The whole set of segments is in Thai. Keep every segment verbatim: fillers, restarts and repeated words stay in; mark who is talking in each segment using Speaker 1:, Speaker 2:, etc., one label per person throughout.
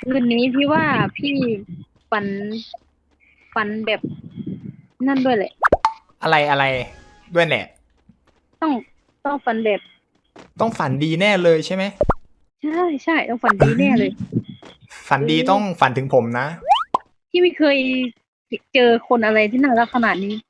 Speaker 1: คืนนี้พี่ว่าพี่ฝันฝันแบบนั่นด้วยแหละ
Speaker 2: อะไรอะไรด้วยแหละ
Speaker 1: ต้องต้องฝันแบบ
Speaker 2: ต้องฝันดีแน่เลยใช่ไหม
Speaker 1: ใช่ใช่ต้องฝันดีแน่เลย
Speaker 2: ฝัน
Speaker 1: เอ
Speaker 2: ดี
Speaker 1: อ
Speaker 2: ต้องฝันถึงผมนะ
Speaker 1: พี่ไม่เคยเจอคนอะไรที่น่ารักขนาดนี้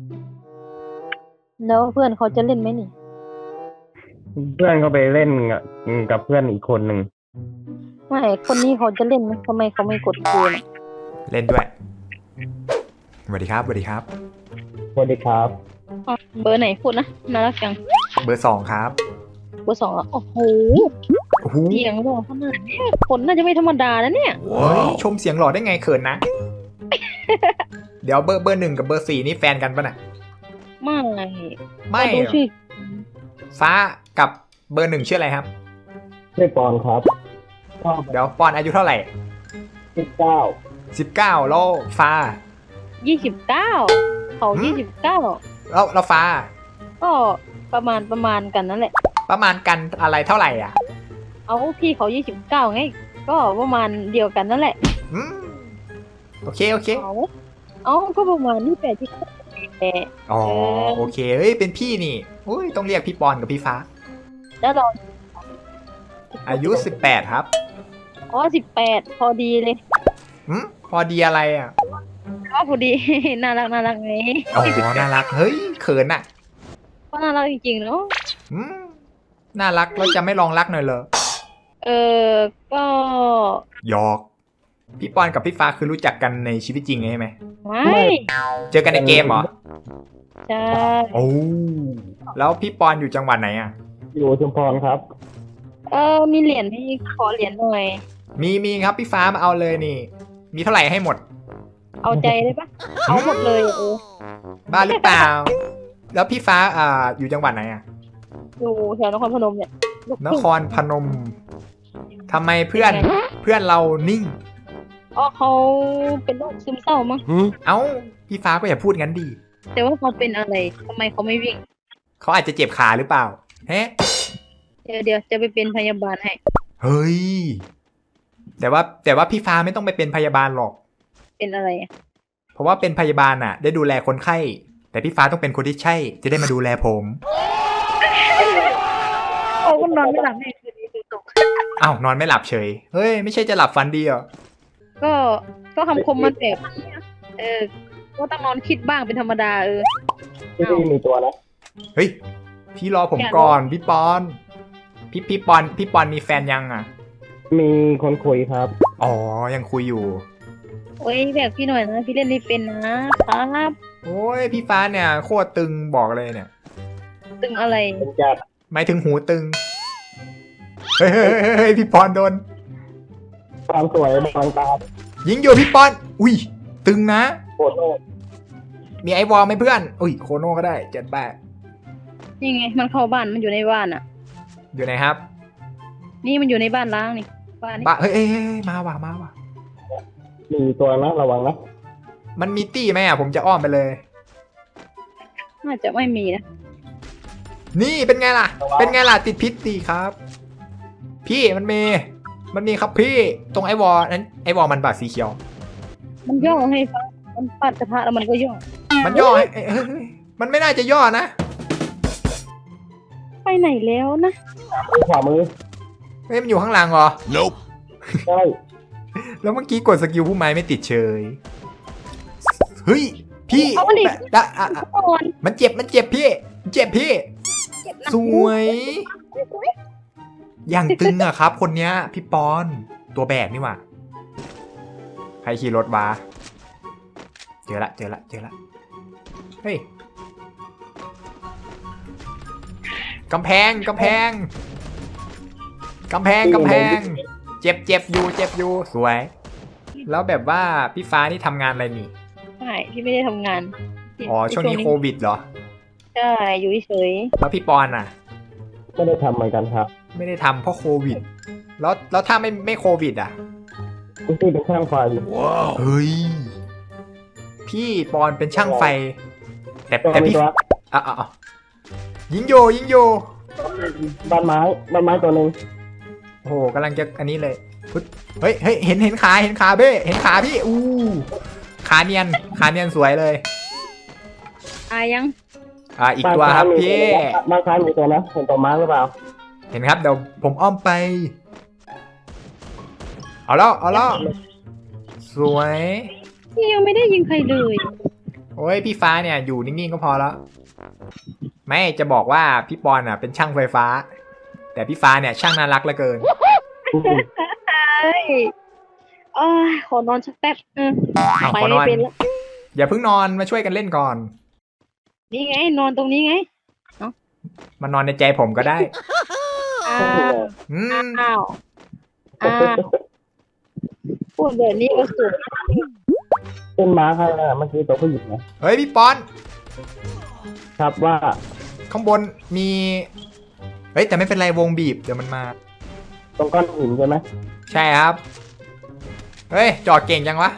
Speaker 1: แล้วเพื่อนเขาจะเล่นไหมนี่
Speaker 3: เพื่อนเขาไปเล่นกับเพื่อนอีกคนหนึ่ง
Speaker 1: ไม่คนนี้เขาจะเล่นไหมทำไมเขาไม่กดคุยน่ะ
Speaker 2: เล่นด้วยสวัสดีครับสวัสดีครับ
Speaker 3: สวัสดีครับ
Speaker 1: อ๋อเบอร์ไหนพูดนะน่ารักจัง
Speaker 2: เบอร์สองครับ
Speaker 1: เบอร์สองเหรอโอ้โห
Speaker 2: โอ้โห
Speaker 1: เสียงหล่อขนาดนี้คนน่าจะไม่ธรรมดานะเนี่ย
Speaker 2: เฮ้ยชมเสียงหล่อได้ไงเขินนะ เดี๋ยวเบอร์เบอร์หนึ่งกับเบอร์สี่นี่แฟนกันปะน่ะ
Speaker 1: ไม่
Speaker 2: ไม่
Speaker 1: ดูชื่อ
Speaker 2: ฟ้ากับเบอร์หนึ่งชื่ออะไรครับ
Speaker 3: ชื่อปอนครับ
Speaker 2: เดี๋ยวปอนอายุเท่าไหร่
Speaker 3: สิบเก้า
Speaker 2: สิบเก้าแล้วฟ้า
Speaker 1: ยี่สิบเก้าเขายี่สิบเก้า
Speaker 2: แล้วแล้วฟ้า
Speaker 1: ก็ประมาณประมาณกันนั่นแหละ
Speaker 2: ประมาณกันอะไรเท่าไหร่อ่ะ
Speaker 1: เอาพี่เขายี่สิบเก้าไงก็ประมาณเดียวกันนั่นแหละ
Speaker 2: อืมโอเคโอเค
Speaker 1: เอาเอาก็ประมาณนี่แปดที่แปด
Speaker 2: อ๋อโอเคเฮ้ยเป็นพี่นี่อุ้ยต้องเรียกพี่ปอนกับพี่ฟ้า
Speaker 1: แล้วเรา
Speaker 2: อายุสิบแปดครับ
Speaker 1: อ๋อสิบแปดพอดีเลย
Speaker 2: อืมพอดีอะไรอ่ะ
Speaker 1: ก็พอดีน่ารักน่ารักไง
Speaker 2: อ๋อน่ารักเฮ้ยเขินอ่ะ
Speaker 1: ก็น่ารักจริงๆเนาะ
Speaker 2: อืมน่ารักแล้วจะไม่ลองรักหน่อยเหรอ
Speaker 1: เออก็
Speaker 2: หยอกพี่ปอนกับพี่ฟ้าคือรู้จักกันในชีวิตจริงใช่ไหม
Speaker 1: ไม่
Speaker 2: เจอกันในเกมเหรอ
Speaker 1: ใช่
Speaker 2: โอ้แล้วพี่ปอนอยู่จังหวัดไหนอ่ะ
Speaker 3: อยู่ชุมพรครับ
Speaker 1: เออมีเหรียญไหมขอเหรียญหน่อย
Speaker 2: มีมีครับพี่ฟ้ามาเอาเลยนี่มีเท่าไหร่ให้หมด
Speaker 1: เอาใจได้ปะเอาหมดเลยเออ
Speaker 2: บ้าหรือเปล่าแล้วพี่ฟ้าอ่าอยู่จังหวัดไหนอ่ะ
Speaker 1: อยู่แถวนครพนมเนี่ย
Speaker 2: นครพนมทำไมเพื่อนเพื่อนเรานิ่ง
Speaker 1: อ๋อเขาเป็นโรคซึมเศร้ามั้ง
Speaker 2: เอ้าพี่ฟ้าก็อย่าพูดงั้นดี
Speaker 1: แต่ว่าเขาเป็นอะไรทำไมเขาไม่วิ่ง
Speaker 2: เขาอาจจะเจ็บขาหรือเปล่าเฮ้
Speaker 1: เดี๋ยวเดี๋ยวจะไปเป็นพยาบาลให้
Speaker 2: เฮ้ยแต่ว่าแต่ว่าพี่ฟ้าไม่ต้องไปเป็นพยาบาลหรอก
Speaker 1: เป็นอะไรอ่ะ
Speaker 2: เพราะว่าเป็นพยาบาลอ่ะได้ดูแลคนไข้แต่พี่ฟ้าต้องเป็นคนที่ใช่จะได้มาดูแลผม
Speaker 1: โอ้ก็นอนไม่หลับเลยคืนนี้คือตก
Speaker 2: อ้าวนอนไม่หลับเฉยเฮ้ยไม่ใช่จะหลับฝันดีเหรอ
Speaker 1: ก็ก็คำคมมันแบบเออก็ต้องนอนคิดบ้างเป็นธรรมดาเออ
Speaker 3: พี่มีตัวนะ
Speaker 2: เฮ้ยพี่รอผมก่อนพี่ปอนพี่พี่ปอนพี่ปอนมีแฟนยังอ่ะ
Speaker 3: มีคนคุยครับ
Speaker 2: อ๋อยังคุยอยู่
Speaker 1: โอ้ยแบบพี่หน่อยนะพี่เล่นไม่เป็นนะครับ
Speaker 2: โอ้ยพี่ฟ้าเนี่ยโคตรตึงบอกเลยเนี่ย
Speaker 1: ตึงอะไร
Speaker 2: หมายถึงหูตึงเฮ้ยเฮ้ยพี่ปอนโดน
Speaker 3: ความสวยบางตา
Speaker 2: ยิงอยู่พี่ปอนอุ้ยตึงนะ
Speaker 3: โคโน่
Speaker 2: มีไอวอลไหมเพื่อนอุ้ยโคโน่ก็ได้เจ็ดแปด
Speaker 1: นี่ไงมันเข้าบ้านมันอยู่ในบ้านอ่ะ
Speaker 2: อยู่ไหนครับ
Speaker 1: นี่มันอยู่ในบ้านล้างนี่บ้านนี่
Speaker 2: บ้าเฮ้ยเฮ้ยมาว่ะมาว่ะ
Speaker 3: มีตัวนะระวังนะ
Speaker 2: มันมีตี้ไหมอ่ะผมจะอ้อมไปเลย
Speaker 1: น่าจะไม่มีนะ
Speaker 2: นี่เป็นไงล่ะเป็นไงล่ะติดพิษดีครับพี่มันมีมันมีครับพี่ตรงไอวอลนั้นไอวอลมันบาดสีเขียว
Speaker 1: มันย่อให้ฟังมันปัดกระทะแล้วมันก็ย่อ
Speaker 2: มันย่อให้มันไม่น่าจะย่อนะ
Speaker 1: ไปไหนแล้วนะ
Speaker 3: ขวามือ
Speaker 2: เฮ้ยมันอยู่ข้างหลังเหรอ
Speaker 3: Nope ใช่
Speaker 2: แล้วเมื่อกี้กดสกิลผู้ไม้ไม่ติดเฉยเฮ้ยพี่ดะอ่ะมันเจ็บมันเจ็บพี่เจ็บพี่สวยอย่างตึงอะครับคนเนี้ยพี่ปอนตัวแบกนี่หว่าใครขี่รถวะเจอละเจอละเจอละเฮ้ยกำแพงกำแพงกำแพงกำแพงเจ็บเจ็บอยู่เจ็บอยู่สวยแล้วแบบว่าพี่ฟ้านี่ทำงานอะไรนี่
Speaker 1: ใช่พี่ไม่ได้ทำงาน
Speaker 2: อ๋อช่วงนี้โควิดเหรอ
Speaker 1: ใช่อยู่เฉย
Speaker 2: แล้วพี่ปอนอ่ะ
Speaker 3: ไม่ได้ทำเหมือนกันครับ
Speaker 2: ไม่ได้ทำเพราะโควิดแล้วแล้วถ้าไม่ไม่โควิดอ่ะ
Speaker 3: พี่เป็นช่างไฟ
Speaker 2: ว้าวเฮ้ยพี่ปอนเป็นช่างไฟแต่แต่พี่อ่ะอ่ะยิงโยยิงโย
Speaker 3: บ้านไม้บ้านไม้ตัวหนึ่ง
Speaker 2: โอ้โหกำลังจะอันนี้เลยปึ๊ดเฮ้ยเฮ้ยเห็นเห็นขาเห็นขาเบ้เห็นขาพี่อู้ขาเนียนขาเนียนสวยเลย
Speaker 1: ตายยัง
Speaker 2: อ่าอีกตัวครับพี่
Speaker 3: บ้านซ้ายมีตัวนะเห็นตัวมาร์กหรือเปล่า
Speaker 2: เห็นครับเดี๋ยวผมอ้อมไป เอาแล้วเอาแล้วสวย
Speaker 1: พี่ยังไม่ได้ยิงใครเลย
Speaker 2: โอ้ยพี่ฟ้าเนี่ยอยู่นิ่งๆก็พอแล้วไม่จะบอกว่าพี่ปอนอ่ะเป็นช่างไฟฟ้า แต่พี่ฟ้าเนี่ยช่างน่ารักเหลือเกิน
Speaker 1: ใช่เอ้ยขอนอนสักแป๊บเออ
Speaker 2: เอา
Speaker 1: ไป
Speaker 2: ขอน
Speaker 1: ไม่
Speaker 2: อน
Speaker 1: เป็นแล้ว
Speaker 2: อย่าเพิ่งนอนมาช่วยกันเล่นก่อน
Speaker 1: นี่ไงนอนตรงนี้ไง
Speaker 2: มานอนในใจผมก็ได้
Speaker 1: อ้าว
Speaker 2: อืม
Speaker 1: อ้าวอ้าวพูดแบบนี้ก็สุด
Speaker 3: เป็นมาร์กใครนะเมื่อกี้ตัวผู้หญิงนะ
Speaker 2: เฮ้ยพี่ปอน
Speaker 3: ครับว่า
Speaker 2: ข้างบนมีเฮ้ยแต่ไม่เป็นไรวงบีบเดี๋ยวมันมา
Speaker 3: ตรงก้อนหินใช่ไหม
Speaker 2: ใช่ครับเฮ้ยจอดเก่งจังวะ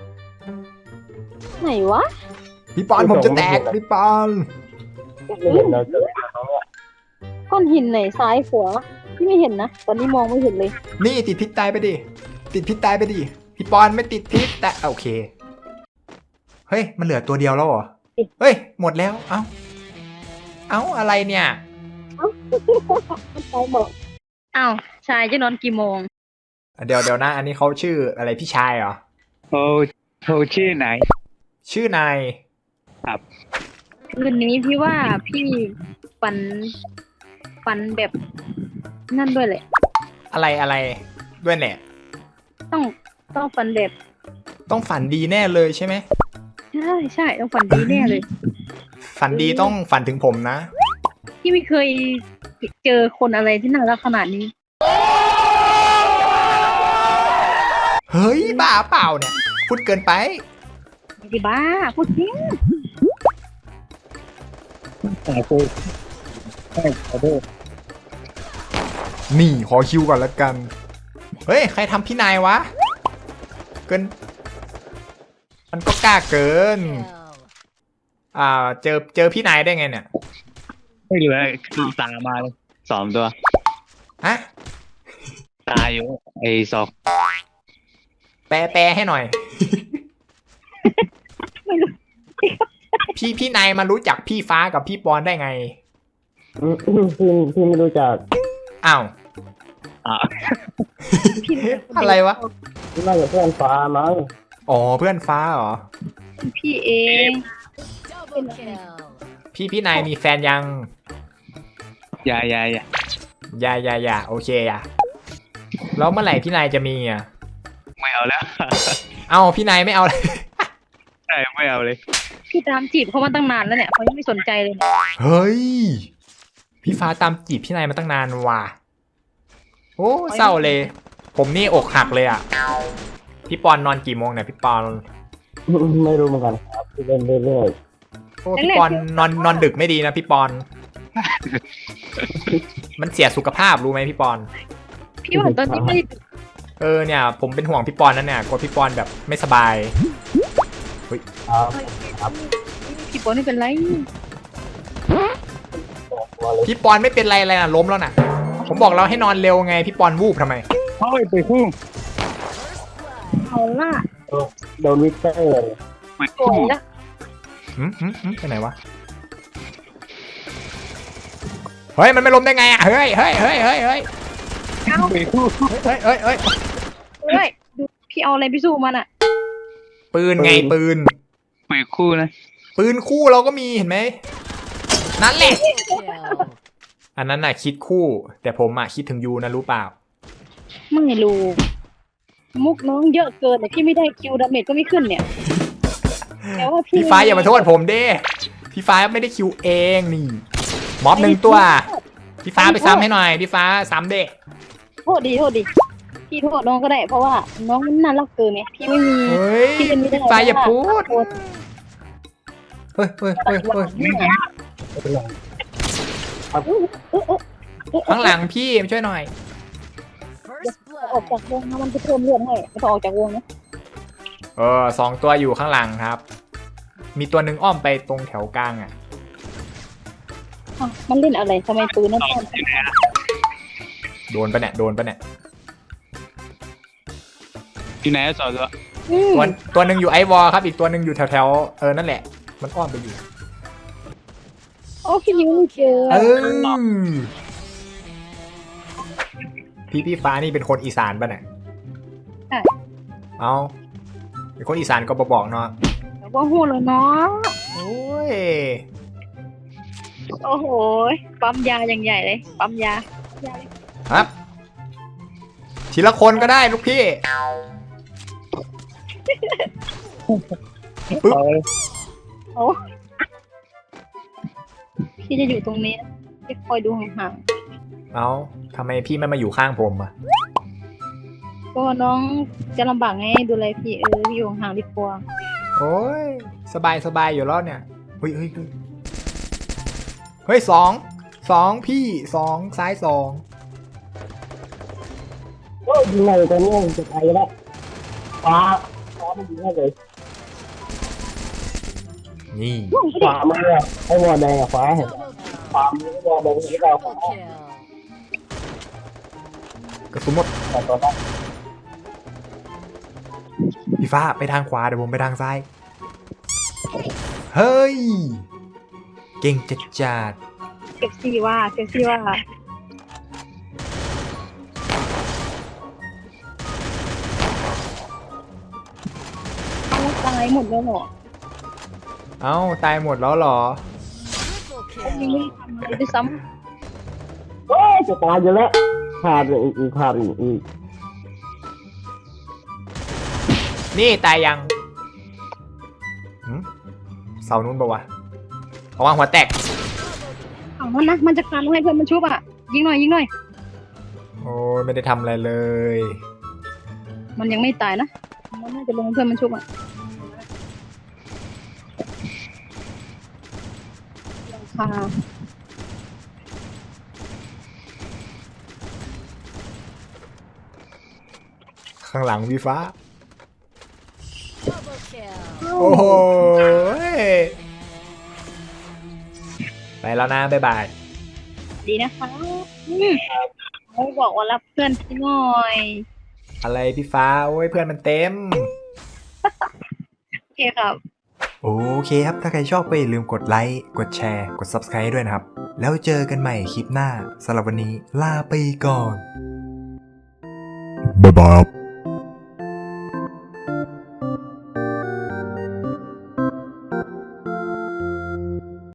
Speaker 1: ไหนวะ
Speaker 2: พี่ปอนผมจะแตกพี่ปอน
Speaker 3: ไม่เห็นเราเจอตรงเนี้ย
Speaker 1: ก้อนหินไหนซ้ายขวาพี่ไม่เห็นนะตอนนี้มองไม่เห็นเลย
Speaker 2: นี่ติดพิษตายไปดิติดพิษตายไปดิพี่ปอนไม่ติดพิษแต่โอเคเฮ้ยมันเหลือตัวเดียวแล้วเหรอเฮ้ยหมดแล้วเอ้าเอ้าอะไรเนี่ย
Speaker 1: มันไปหมดอ้าวชายจะนอนกี่โมง
Speaker 2: เดี๋ยวเดี๋ยวนะอันนี้เขาชื่ออะไรพี่ชายเหรอ
Speaker 4: โอ้โทรชื่อไหน
Speaker 2: ชื่อนาย
Speaker 1: คืนนี้พี่ว่าพี่ฝันฝันแบบนั่นด้วยแหละ
Speaker 2: อะไรอะไรด้วยเนี่ย
Speaker 1: ต้องต้องฝันแบบ
Speaker 2: ต้องฝันดีแน่เลยใช่ไหม
Speaker 1: ใช่ใช่ต้องฝันดีแน่เลย
Speaker 2: ฝันดีต้องฝันถึงผมนะ
Speaker 1: พี่ไม่เคยเจอคนอะไรที่น่ารักขนาดนี้
Speaker 2: เฮ้ยบ้าเปล่าเนี่ยพูดเกินไป
Speaker 1: ไม่ได้บ้าพูดจริง
Speaker 4: แต่กูไม่ขอโทษ
Speaker 2: นี่ขอคิวก่อนละกัน เฮ้ย ใครทำพี่นายวะ เกิน มันก็กล้าเกิน อ่า เจอเจอพี่นายได้ไงเนี่ย
Speaker 4: ไม่เหลือคือตามมาเลยสองตัว
Speaker 2: ฮะ
Speaker 4: ตายอยู่ไอ้สอง
Speaker 2: แปลแปลให้หน่อย
Speaker 1: ไม่รู้
Speaker 2: พี่พี่นายมารู้จักพี่ฟ้ากับพี่ปอนได้ไง
Speaker 3: อืมพี่พี่ไม่รู้จัก
Speaker 2: อ้าว
Speaker 4: อ่ะ
Speaker 1: พี่
Speaker 2: อะไรวะ
Speaker 3: พี่น่าจะเพื่อนฟ้ามั้ง
Speaker 2: อ๋อ เพื่อนฟ้าเหรอ
Speaker 1: พี่เอง
Speaker 2: พี่พี่นายมีแฟนยัง
Speaker 4: อย่าอย่าอย่า
Speaker 2: อย่าอย่าอย่าโอเคอย่าแล้วเมื่อไหร่พี่นายจะมีอ่ะ
Speaker 4: ไม่เอาแล้ว
Speaker 2: เอ้าพี่นายไม่เอาเลย
Speaker 4: ใช่ไม่เอาเลย
Speaker 1: พี่ตามจีบเขามาตั้งนานแล้วเนี่ยเขายังไม่สนใจเลยเนี่ย
Speaker 2: เฮ้ย พี่ฟ้าตามจีบพี่นายมาตั้งนานว่ะ โอ้เศร้าเลย ผมนี่อกหักเลยอ่ะ พี่ปอนนอนกี่โมงเนี่ยพี่ปอน
Speaker 3: ไม่รู้เหมือนกันครับพี่เล่นเรื่อย
Speaker 2: โอ้พี่ปอนนอนนอนดึกไม่ดีนะพี่ปอน มันเสียสุขภาพรู้ไหมพี่ปอน
Speaker 1: พี่ว่าตอนนี้ไม่ได้
Speaker 2: เออเนี่ย ผมเป็นห่วงพี่ปอนนั่นเนี่ยกลัวพี่ปอนแบบไม่สบาย
Speaker 3: ๆครับ
Speaker 1: พี่ปอนไม่เป็นไร
Speaker 3: ตัวเลย
Speaker 2: พี่ปอนไม่เป็นไรเลยนะล้มแล้วนะผมบอกเราให้นอนเร็วไงพี่ปอนวูบทำไม
Speaker 4: เฮ้ยไปคู่
Speaker 1: เอาล่ะ
Speaker 3: โดนวิกเตอร์เลย
Speaker 4: ไป
Speaker 1: โกร
Speaker 4: คู่
Speaker 1: ธละ
Speaker 2: หืมหืมหืมไปไหนวะ เฮ้ยมันไม่ล้มได้ไงอ่ะ เฮ้ยเฮ้ยเฮ้ยเฮ้ยเฮ้ย
Speaker 1: เอา
Speaker 4: ไปคู่
Speaker 2: เฮ้ยเฮ้ยเฮ้ย
Speaker 1: เฮ้ยดูพี่เอาอะไรไปสู้มันอ่ะ
Speaker 2: ปืนไงปืน
Speaker 4: ไปคู่นะ
Speaker 2: ปืนคู่เราก็มีเห็นไหมนั่นแหละ อันนั้นน่ะคิดคู่ แต่ผมอ่ะคิดถึงยูนะรู้เปล่า
Speaker 1: ไม่รู้มุกน้องเยอะเกินแต่พี่ไม่ได้คิวดาเมจก็ไม่ขึ้นเนี่ยแต่ว่าพี่
Speaker 2: พี่ฟ้าอย่ามาโทษผมเด้พี่ฟ้าไม่ได้คิวเองนี่ม็อบหนึ่งตัว พี่ฟ้าไปซ้ำให้หน่อย พี่ฟ้าซ้ำเด้
Speaker 1: โทษดีโทษดีพี่โทษน้องก็ได้ เพราะว่าน้องมันน่ารักเกินเนี่ยพี่ไม่มี
Speaker 2: เฮ้ย
Speaker 1: พี่เป็นไม่ได้
Speaker 2: พี่ฟ้าอย่าพูด
Speaker 1: โทษ
Speaker 2: เฮ้ยเฮ้ยเฮ้ยเฮ้ย
Speaker 3: ไม่เป็นไร
Speaker 2: ข้างหลังพี่มาช่วยหน่อย
Speaker 1: ออกจากวงนะมันจะเพิ่มเลือดให้ไม่ต้องออกจากวงนะ
Speaker 2: เออสองตัวอยู่ข้างหลังครับ มีตัวหนึ่งอ้อมไปตรงแถวกลางอ่ะ
Speaker 1: อ้าวมันเล่นอะไรทำไมปืนนั่นต้น
Speaker 2: โดนปะเนี่ยโดนปะเนี่ย
Speaker 4: อยู่ไหนสองตัว
Speaker 1: อืม
Speaker 2: ตัวตัวหนึ่งอยู่ไอวอลครับ อีกตัวหนึ่งอยู่แถวแถวๆเออนั่นแหละ มันอ้อมไปอยู่
Speaker 1: โอ้พี่นิ้วไม่เจอ
Speaker 2: เออพี่พี่ฟ้านี่เป็นคนอีสานป่ะเนี่ย
Speaker 1: ใช่
Speaker 2: เอาเป็นคนอีสานก็บบอกเนาะ
Speaker 1: แต่ว่าหูเลยเนาะ
Speaker 2: โอ้ย
Speaker 1: โอ้โหปั๊มยาอย่างใหญ่เลยปั๊มยาปั๊มยาเลย
Speaker 2: ครับทีละคนก็ได้ลูกพี่ ปึ๊บ
Speaker 4: เอา
Speaker 1: โอ้พี่จะอยู่ตรงนี้นะพี่คอยดูห่าง
Speaker 2: เอาทำไมพี่ไม่มาอยู่ข้างผมอ่ะ
Speaker 1: ๆก็น้องจะลำบากไงดูแลพี่เออพี่อยู่ห่างดีกว่า
Speaker 2: โอ้ยสบายสบายอยู่แล้วเนี่ยเฮ้ยเฮ้ยเฮ้ยเฮ้ยสองสองพี่สองซ้ายสอง
Speaker 3: โอ้ยยิงเลยตัวนี้จะไปแล้วฟ้าฟ้ามันยิงได้เลย
Speaker 2: นี่
Speaker 3: ขวามือไอ้วอลแดงกับฟ้าเห็นขวามือวอลแดงที่เราฟ้าก
Speaker 2: ระสุนหมด
Speaker 3: แต่ตัวนั้น
Speaker 2: พี่ฟ้าไปทางขวาเดี๋ยวผมไปทางซ้ายเฮ้ยเก่งจัดจัด
Speaker 1: เก็บซี่ว่าเก็บซี่ว่าเอาตายหมดแล้วเหรอ
Speaker 2: เอ้าตายหมดแล้วเหรอ
Speaker 1: ยังไม่ได้ทำอะไรด้วยซ้
Speaker 3: โอ้ยจะตายอยู่แล้วขาดอีกอีกขาดอีกอีก
Speaker 2: นี่ตายยังหึเสานู้นปะวะเอาวางหัวแตก
Speaker 1: ำเอามันนะมันจะการให้เพื่อนมันชุบอ่ะยิงหน่อยยิงหน่อย
Speaker 2: โอ้ยไม่ได้ทำอะไรเลย
Speaker 1: มันยังไม่ตายนะมันน่าจะลงเพื่อนมันชุบอ่ะราคา
Speaker 2: ข้างหลังพี่ฟ้า โอ้โหไปแล้วนะ บ๊ายบาย
Speaker 1: ดีนะคะอืมเขาบอกว่ารับเพื่อนพี่หน่อย
Speaker 2: อะไรพี่ฟ้า โอ้ยเพื่อนมันเต็ม
Speaker 1: โอเคครับ
Speaker 2: โอเคครับ ถ้าใครชอบก็อย่าลืมกดไลค์ กดแชร์ กด Subscribe ด้วยนะครับ แล้วเจอกันใหม่คลิปหน้าสำหรับวันนี้ลาไปก่อน บ๊ายบาย